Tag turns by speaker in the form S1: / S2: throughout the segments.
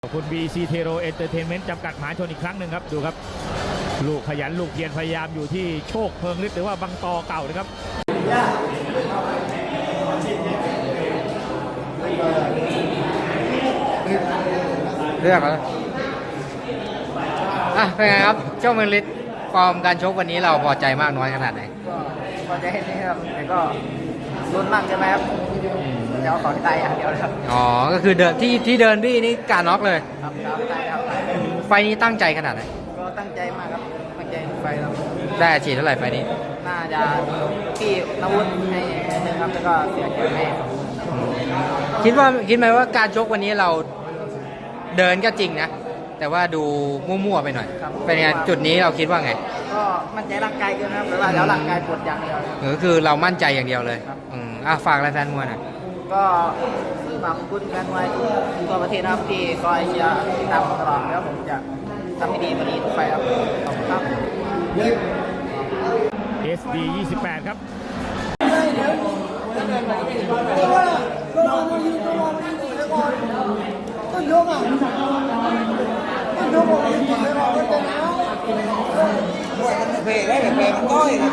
S1: ขอบคุณ BC Tero Entertainment จำกัดมหาชนอีกครั้งหนึ่งครับดูครับลูกขยันลูกเพียรพยายามอยู่ที่โชคเพิงฤทธิ์หรือว่าบังตอเก่านะครับ
S2: เลือกแล้วเป็นไงครับเจ้าเมืองฤทธิ์ฟอร์มการชกวันนี้เราพอใจมากน้อยขนาดไหน
S3: ก็พอใจนี่ครับแต่ก็ลุ้นมากใช่ไหมครับจะเอาของตายอย่างเดียวเลยครับ
S2: อ๋อก็คือเดินที่เดินบี้นี่การน็อกเลย
S3: ครับตายครับ
S2: ไฟนี้ตั้งใจขนาดไหน
S3: ก็ตั้งใจมากครับตั้งใจไฟครับ
S2: ได้อาชีพเท่าไหร่ไฟนี้
S3: น่าจะพี่นวุฒิให้หนึ่งครับแล้วก็เสียเกียรติให้
S2: คิดไหมว่าการชกวันนี้เราเดินก็จริงนะแต่ว่าดูมั่วๆไปหน่อยเป็นไงจุดนี้เราคิดว่าไง
S3: ก็มั่นใจร่างกายเกินครับแต่ว่าแล้วร่างกายปวดอย่างเดียว
S2: ก็คือเรามั่นใจอย่างเดียวเลยฝากอะไรแฟนมวยหน่อย
S3: ก็ฝากคุณแฟนมวยทั่วประเทศนะครับที่คอยเชียร์ติดตามตลอดแล้วผมจะทำให้ดีกว่านี้ทุกไฟครับขอบคุณครับ
S1: SD 28ครับ
S4: ต้นยกอ่ะต้นยกบอกมันกินไม่พอมันจะหนาวเพลได้เพลมันก้อย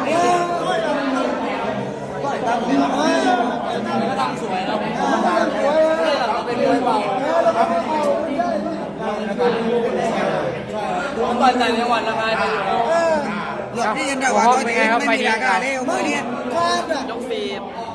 S4: ก้อยตั้งก็ตั้งสวยแล้วเราเป็นมวยเบาผมต่อยแต่ในวันละไงไปอยู่หลบที่ยันได้ว่าเป็นไงครับไปดีกันเมื่อนี้ยกฟี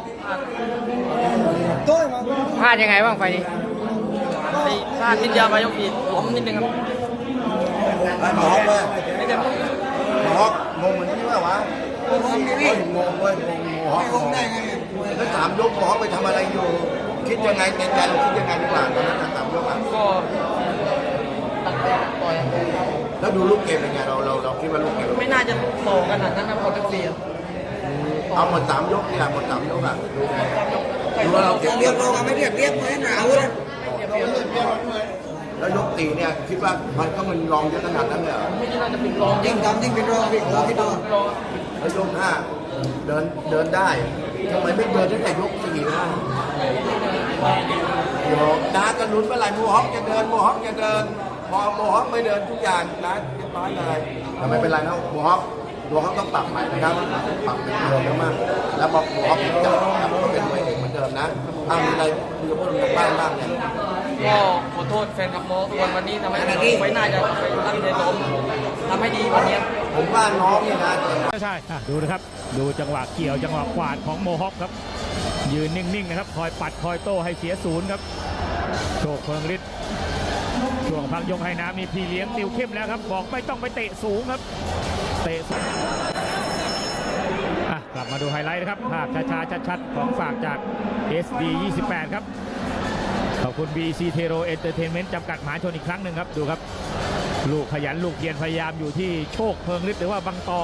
S2: พลาดยังไงบ้างไฟนี้
S3: พลาดนิดเดียวไปยกฟีผมนิดนึงครับ
S4: หมอกเลยหมอกงงเหมือนที่ว่าวะงงนี่งงเว้ยงงได้ไงแล้วถามยกหมอไปทำอะไรอยู่คิดยังไงในใจเราคิดยังไงดีกว่าตอนนั้นถามยกอ่ะ
S3: ก็ตั้งใจต่อย
S4: แล้วดูลูกเกมเป็นไงเราคิดว่าลูกเกม
S3: ไม่น่าจะโตขนาดนั้นนะพอจะเสีย
S4: เอาหมด3ยกนี่แหละหมด3ยกอ่ะดูว่าเราเรียบร้อยไม่เรียบเหมือนหนาวเลยแล้วยกตีเนี่ยคิดว่ามันก็มันรองเยอะขนาดนั้นเลย
S3: ไม่น่าจะเป็นรอง
S4: ยิ่งทำยิ่งเป็นรองพี่คิดดูแล้วยก5เดินได้ทำไมไม่เดินตั้งแต่ยก4 5เดี๋ยวน้าจะลุ้นเมื่อไหร่โมฮอคจะเดินพอโมฮอคไม่เดินทุกอย่างนะเรียบร้อยเลยแต่ไม่เป็นไรนะโมฮอคต้องปรับใหม่นะครับปรับเป็นเดิมแล้วมากแล้วบอกโมฮอคจะกลับมาเป็นมวยเอกเหมือนเดิมนะมีอะไรคุยกับพวกเราบ้างเนี่ย
S3: ก็ขอโทษแฟนกับโมทุกคนวันนี้ทำให้ไว้หน้าจะไปตั้งใจล้มทำให้ดีวันนี้
S4: ผมว่าน้องเนี่ยนะ
S1: ใช่ดูนะครับดูจังหวะเกี่ยวจังหวะขวาดของโมฮอคครับยืนนิ่งๆนะครับคอยปัดคอยโต้ให้เสียศูนย์ครับโชคเพิงฤทธิ์ช่วงพักยกให้น้ำนี่พี่เลี้ยงติวเข้มแล้วครับบอกไม่ต้องไปเตะสูงครับเตะสูงกลับมาดูไฮไลท์นะครับภาพช้าๆชัดๆของฝากจาก SD 28ครับขอบคุณ BC Tero Entertainment จำกัดมหาชนอีกครั้งหนึ่งครับดูครับลูกขยันลูกเพียรพยายามอยู่ที่โชคเพิงฤทธิ์หรือว่าบังตอ